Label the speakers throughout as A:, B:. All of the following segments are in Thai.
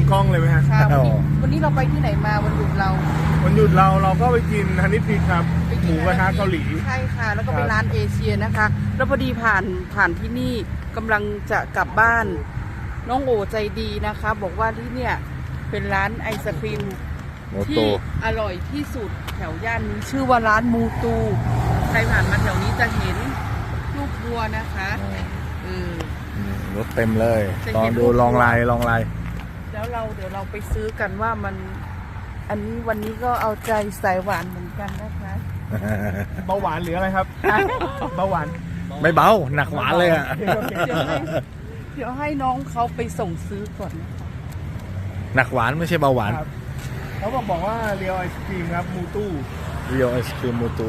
A: กล้องเลยไหมฮะ
B: ค่ะวันนี้เราไปที่ไหนมาวันหยุดเรา
A: ก็ไปกินฮันนี่พีครับหมูกระทะเกาหลี
B: ใช่ค่ะแล้วก็เป็นร้านเอเชียนะคะ แล้วพอดีผ่านที่นี่กำลังจะกลับบ้านน้องโอใจดีนะคะ บอกว่าที่เนี่ยเป็นร้านไอศครีมที่อร่อยที่สุดแถวย่านนี้ชื่อว่าร้านมูตูใครผ่านมาแถวนี้จะเห็นลูกวัวนะคะ
C: รถเต็มเลยตอนดูลองลาย
B: แล้วเดี๋ยวเราไปซื้อกันว่ามันอันนี้วันนี้ก็เอาใจสายหวานเหมือนกันนะคะ
A: เบาหวานหรืออะไรครับเบาหวาน
C: ไม่เบาหนักหวานเลยอ่ะ
B: เดี๋ยวให้น้องเขาไปส่งซื้อก่อนนะคะ
C: หนักหวานไม่ใช่เบาหวาน
A: เขาบอกว่าเรียวไอศครีมครับมูตู้
C: เรียวไอศครีมมูตู้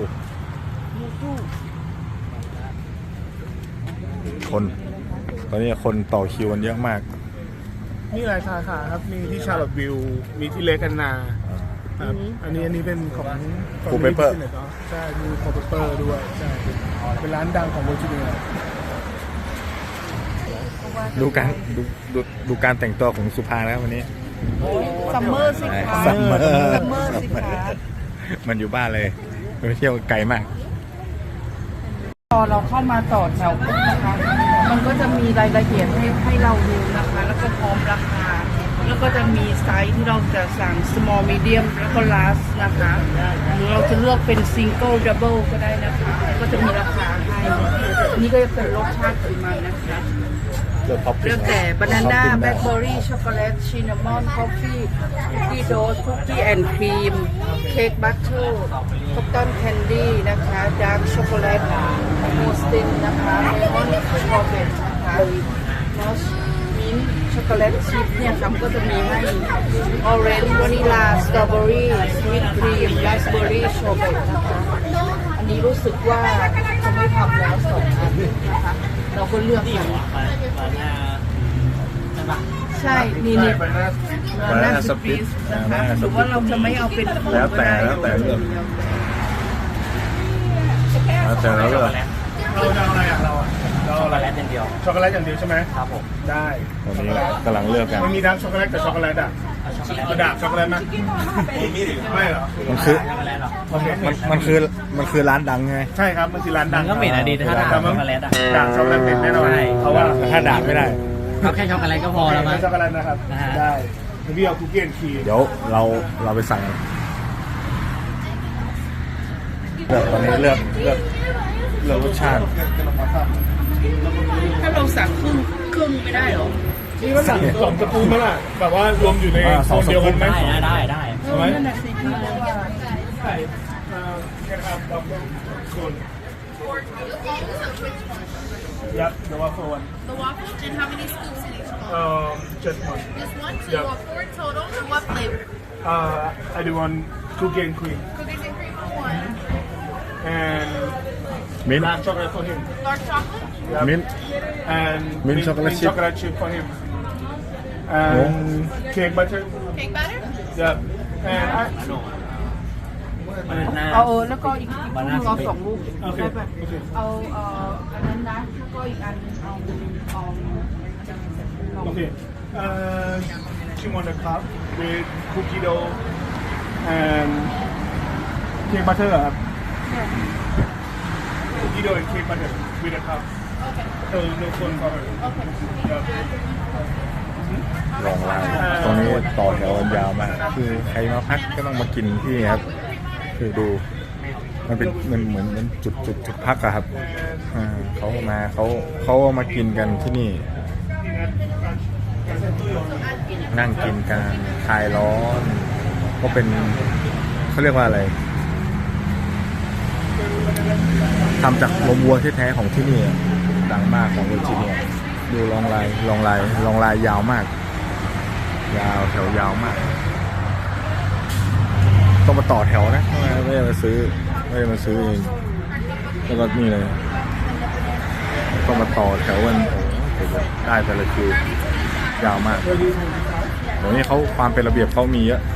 C: คนตอนนี้คนต่อคิวกันเยอะมาก
A: มีหลายสาขาครับมีที่ชาร์ลอตวิลล์มีที่เลกันนาอันนี้เป็นของ
C: คูเปเปอร์
A: ใช่มีคูเปเปอร์ด้วยใช่เป็นร้านดังของเวอร์จิเนีย
C: ดูการแต่งตัวของสุภาแล้ววันนี้
B: ซัมเมอร์สิคะ
C: ซัมเมอ
B: ร์สิคะ
C: มันอยู่บ้านเลยไปเที่ยวไกลมาก
B: พอเราเข้ามาต่อแถวปุ๊บนะคะมันก็จะมีรายละเอียดให้เราดูนะคะแล้วก็พร้อมราคาแล้วก็จะมีไซส์ที่เราจะสั่ง small medium แล้วก็ large นะคะหรือเราจะเลือกเป็น single double ก็ได้นะคะก็จะมีราคาให้นี่ก็จะเป็นรสชาติของมันนะคะเลือกแต่บานาน่าแบล็คเบอร์รี่ช็อกโกแลตชินนามอนคอฟฟี่คุกกี้โดสคุกกี้แอนด์ครีมเค้กบัตเตอร์คอตตอนแคนดี้นะคะดาร์กช็อกโกแลตโมสตินนะคะเลมอนสตรอเบอรี่นะคะมอสมิ้นช็อกโกแลตชิพเนี่ยครับก็จะมีให้ออเรนจ์วานิลาสตรอเบอรี่สวีทครีมราสเบอรี่ชอร์เบตนะคะอันนี้รู้สึกว่าจะไม่ทำแล้ว2 อันนะคะเราก็เลือกกันใช่นี่
C: บานาน่าสปิส
B: นะคะหรือว่าเราจะไม่เอาเป็น
C: แล้วแต่เลือก
A: เราจะเอาอะไรอย่างเราช็อกโกแลตอย่างเดียวช็อกโกแลตอย่างเดียวใช่ไหมครับผมได้
C: ตอนนี้กำลังเลือกกัน
A: มันมีดาร์กช็อกโกแลตกับช็อกโกแลตอ่ะดาร์กช็อกโกแลตไหมไม่เหรอ
C: มันคือร้านดังไง
A: ใช่ครับมันคือร้านดัง
D: ก็เหม็นอะดีถ้าดาร์กช็อกโกแลตอะ
A: ดาร์กช็อกโกแลตเหม็นแน่นอนเพราะว่า
C: ถ้าดาร์กไม่ได้
D: เอาแค่ช็อกโกแลตก็พอแล้วมั้ง
A: ช็อกโกแลตนะครับได้พี่เอาคุกกี้ครีม
C: เดี๋ยวเราไปสั่งตอนนี้เลือกรสชาติ
B: ถ้าเราสั่งครึ่งไม่ได้หรอ
A: นี่มันสั่ง2 สกู๊ปมั้ยล่ะแบบว่ารวมอยู่ในโซนเดียวกันไหม
D: ได้
B: ใช่ไหมนั่นน่ะสิพี่ว่า
A: ใช่Yep, the waffle one.
E: The waffle? And how many scoops in each bowl?
A: Just one.
E: Just one? So you want 4 total? And what flavor?
A: I do one cookie and cream.
E: Cookies and cream for one.
A: And
C: mint
A: dark chocolate for him.
E: Dark chocolate?
A: Yep.
C: Mint.
A: And
C: mint chocolate
A: chip for him. And cake butter.
E: Cake batter?
A: Yep. And
B: เอาแล้วก็อีกเรา2 ลูกแบบเอาอันนั้นนะแล้วก็อีกอันเอา
A: Okay. You want a cup with cookie dough and cake butter ครับ Cookie dough and cake butter with a cup. Okay. No phone cover.
E: Okay.
C: ลองร้านตรงนี้ต่อแถวยาวมากคือใครมาพักก็ต้องมากินที่นี่ครับคือดูมันเป็นเหมือนจุดพักอะครับเขามากินกันที่นี่นั่งกินกันคลายร้อนก็เป็นเขาเรียกว่าอะไรทำจากนมวัวแท้ๆของที่นี่ดังมากของเวอร์จิเนียดูลองลายยาวมากยาวแถวยาวมากต้องมาต่อแถวนะไม่ได้มาซื้อเองแล้วก็นี่เลยต้องมาต่อแถวกันได้แต่ละคิวยาวมากเดี๋ยวนี้เขาความเป็นระเบียบเขามีเยอะ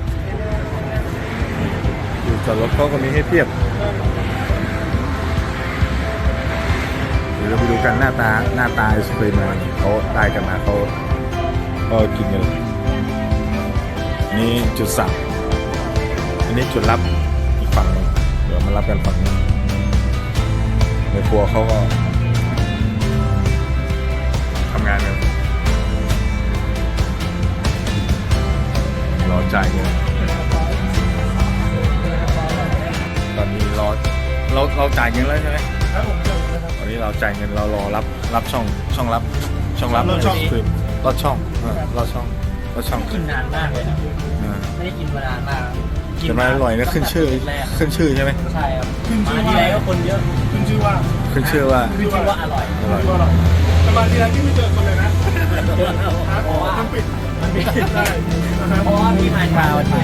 C: อยู่จอดรถเขาก็มีให้เทียบเดี๋ยวเราไปดูกันหน้าตาไอศครีมเขาได้กันมาเขากินกันนี่จุดสั่งอันนี้จุดรับอีกฝั่งหนึงเดี๋ยวมารับกันฝั่งนี้ในครัวเขาก็ทำงานกันรอจ่ายเงินตอนนี้เราจ่ายเงินแล้วใช่ไหม
A: ครับผมเจอนะครับ
C: ตอนนี้เราจ่ายเงินเรารอรับช่องรับ
A: รอช่อง
C: คือรอช่องรอช่อง
D: กินนานมากเลยนะ
C: อ่า
D: ไม่ได้กินมานานมาก
C: แต่มันอร่อยนะขึ้นชื่อ
D: แรก
C: ขึ้นชื่อใช่ไหม
D: ใช่ครับมาที่ไรก็คนเยอะ
A: ขึ้นชื่อว่า
C: ขึ้นชื่อว่า
D: คือว่าอร่อย
C: อร่อย
A: ก็เราแต่มาทีไรที่ไม่เจอคนเลยนะ
D: เพราะว่า
A: มันปิด
D: มันไม่
A: ใช่นะครับ
D: เพราะว่าพี่มาเช้าใช่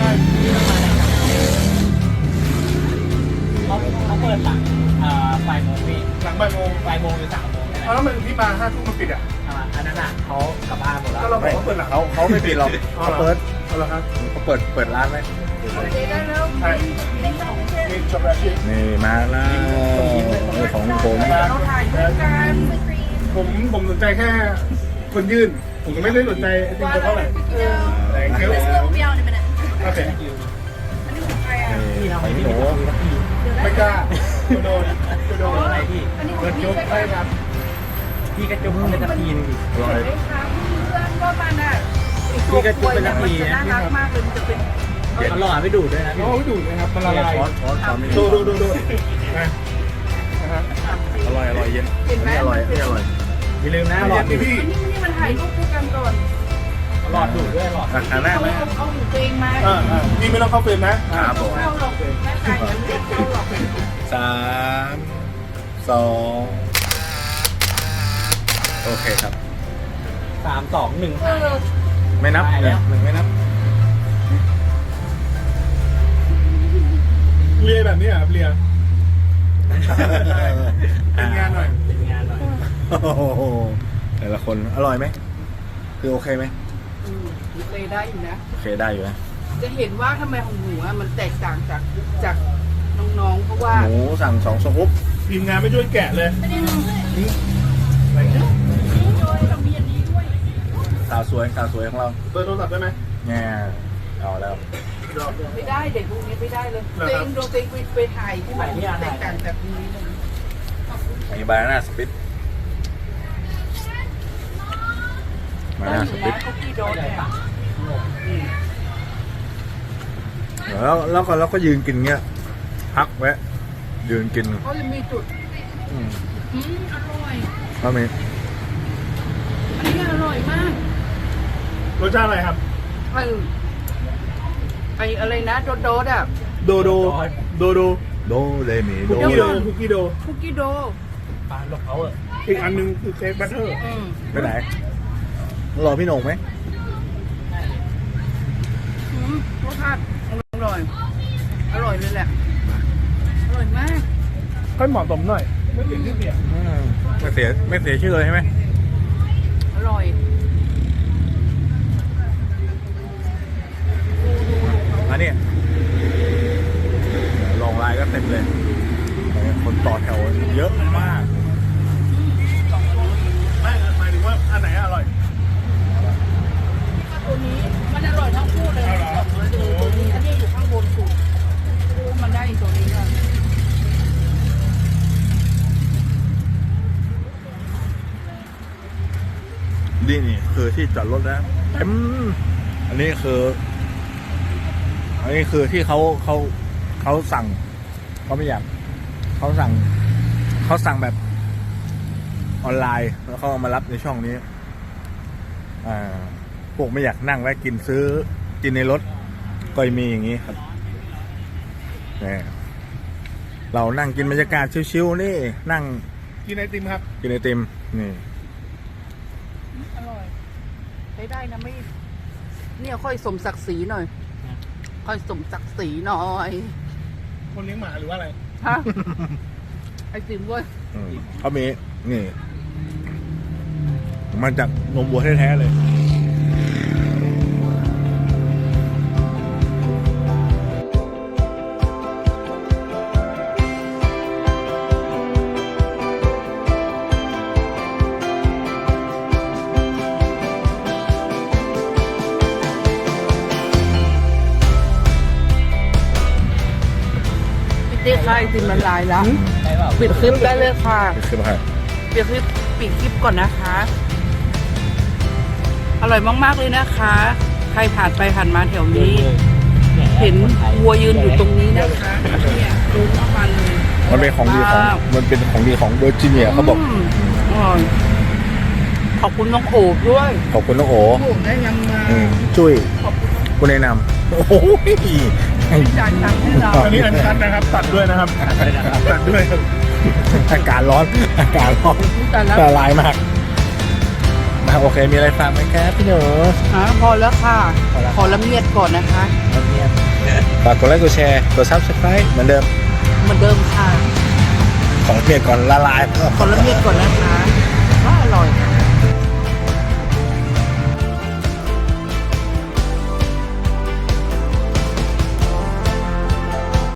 D: เขาเปิดหลังบ่ายโมงพี่
A: หลังบ่ายโมง
D: บ่ายโมงหรือ3 โมงนี่แหละ
A: เอาแล้วมันที่มา5 ทุ่มมันปิดอ่ะ
D: อันนั้นอ่ะเขากลับบ้านหมดแล้ว
A: ก็เราบอกว่าเปิดหลัง
C: เขาไม่ปิดหรอกเขาเปิด
A: เอาละครับ
C: เขาเปิดร้านไหม
A: ใช่มีช็อกโกแลตชีส
C: นี่มาแล้วนี่ของผม
B: เราถ่ายด้วยกัน
A: ผมสนใจแค่คนยื่น ผมไม่ได้สนใจไอติมเท่าไหร่แต่เคี้ยว
E: This will be out in a minute.
A: โอเค
C: นี่
D: พี่ทำ
C: ข
D: ไม
C: อง
D: พี่
C: หนู
D: ไม่ต้องมีสักที
A: ไม่กล้าโดน
D: อะไรพี่
A: โดนยกให้ครับ
D: พี่กระจุกเป็นสักทีนึงดิ
C: อร่อย
B: เห็นไหมคะเพื่อนก็มันอ่ะไอ้ตัวกล้วยเนี่ยมันจะน่ารักมากเลยมันจะเป็น
D: เอาหลอดไม่ดูดด้วยนะพี่
A: น้องดูดนะครับมันละลาย
C: ช้อนไม่
A: ดู
C: ดี
A: นะนะครับ
C: อร่อยเย็น
B: เห็นไหม
C: นี่อร่อยนี่อร่อย
D: อย่าลืมนะหลอดดูด
A: พี่
B: นี่มันถ่ายรูปคู่กันก่อน
D: หลอดดูดด้วยหลอด
C: อันแรก
B: เอา
C: ไหม
B: เอาหูตัวเองมา
A: นี่ไม่ต้องเข้าเฟรมนะครับ
C: ผม
B: เข้าหรอกแม่ถ่ายกันไม่เข้าหรอก
C: 3 2โอเคครับ
D: 3 2 1
B: เออ
C: ไม่นับเนี่ยหนึ่งไม่นับ
A: เรียแบบนี้อ่ะเรียเป็นงานหน่อย
D: เป็นงานหน่อย
C: โอ้โหแต่ละคนอร่อยไหมคือโอเคไหม
B: เลยได้อยู่นะ
C: โอเคได้อยู่นะ
B: จะเห็นว่าทำไมของหนูอะมันแตกต่างจากน้องๆ เพราะว่า
C: หมูสั่ง2 สกุ๊ป
A: ทีมงานไม่ช่วยแกะเลยอะไรเงี้ย
C: สาวสวยของเรา
A: เบอร์โทรศัพท์ได้ไหม
C: แง่เอาแล้ว
B: ไม่ได้เด็กพวกนี้ไม่ได้เลย
A: เหรอ
B: ตัว
A: ครั
B: เอบ งโดนตัวเองไปถ่ายที่มันแตกต่างจากนี้เลย
C: มีบานาน่าสปิตบานาน่าสปิต
B: คุกกี้โดนเนี่ย
C: แล้วก็ยืนกินเงี้ยพักแวะยืนกิน
B: เขาจะมีจุด
C: อืม
B: อร่อย
C: ก็มี
B: อันนี้อร่อยมาก
A: รสชาติอะไรครับ
B: ไออะไรนะโดดอ่ะ
A: โดโด
C: โดเลมีโด
A: คุกกี้โดคุกกี้โด
B: คุกกี้โด
D: ปานหลบเขาเออ
A: อีกอันนึงคือเค้กบัตเตอร์
C: ไปไหนรอพี่โหน่งไหม
B: รสชาติอร่อย อร่อยเลยแหละ อร่อยมาก
A: ค่อยเหมาะสมหน่อยไม่เปลี่ยนชื่อเปลี่ยน
C: ไม่เสียชื่อเลยใช่ไหม
B: อร่อย
C: อันนี้ลองไลน์ก็เต็มเลย คนต่อแถวเยอะมาก
A: ไม่หมายถึงว่าอันไหนอร่อย
B: ตัวนี้มันอร่อยทั้งคู่เลย
A: เอาเหรอ
B: ตัวนี้อันนี้อยู่ข้างบนสุดมันได้ตัวนี้ค่ะ
C: นี่คือที่จอดรถนะอันนี้คือที่เขาสั่งเขาไม่อยากเขาสั่งแบบออนไลน์แล้วเขาเอามารับในช่องนี้พวกไม่อยากนั่งแวะกินซื้อกินในรถก็มีอย่างนี้ครับเนี่ยเรานั่งกินบรรยากาศชิวๆนี่นั่ง
A: กินไอติมครับ
C: กินไอติมนี่
B: อร่อยใช้ได้นะไม่เนี่ยค่อยสมศักดิ์ศรีหน่อย ค่อยสมศักดิ์ศรีหน่อย
A: คนเลี้ยงหมาหรือว่าอะไร
B: ฮะ ไอติมเว้ย
C: เขามีนี่มาจากนมวัวแท้ๆเลย
B: ช่ติมละลายแล้ว
D: ใช่เปล่า
B: ปิดคลิปได้เลยค่ะ
C: คือมาให้
B: ปิดคลิปก่อนนะคะ อร่อยมากๆเลยนะคะ ใครผ่านไปผ่านมาแถวนี้ เห็นวัวยืนอยู่ตรงนี้นะคะเนี่ยรู้ว่ามัน
C: มันเป็นของดีของมันเป็นของดีของเวอร์จิเนียเขาบอก
B: มอร่อยขอบคุณน้องโอบด้วย
C: ขอบคุณน้องโอ
B: โอบได้ยังมา
C: จุ้ย
B: ขอบคุณ
C: คุณแนะนำโอ้โห
B: จ่ายตังค์ให้เรา
A: อันนี้อันคันนะครับ ตัดด้วยนะครับ ตัดด้วยครับ
C: อากาศร้อนอากาศร้อน
B: แต่ละ
C: ละลายมากโอเคมีอะไรฝากไหมครับพี่หนู
B: พอแล้วค่ะ ขอละเมียดก่อนนะคะ
C: ฝากกดไลค์กดแชร์กด Subscribe เหมือนเดิม
B: เหมือนเดิมค่ะ
C: ของเมียก่อนละลาย
B: ขอละเมียดก่อนนะคะว่าอร่อย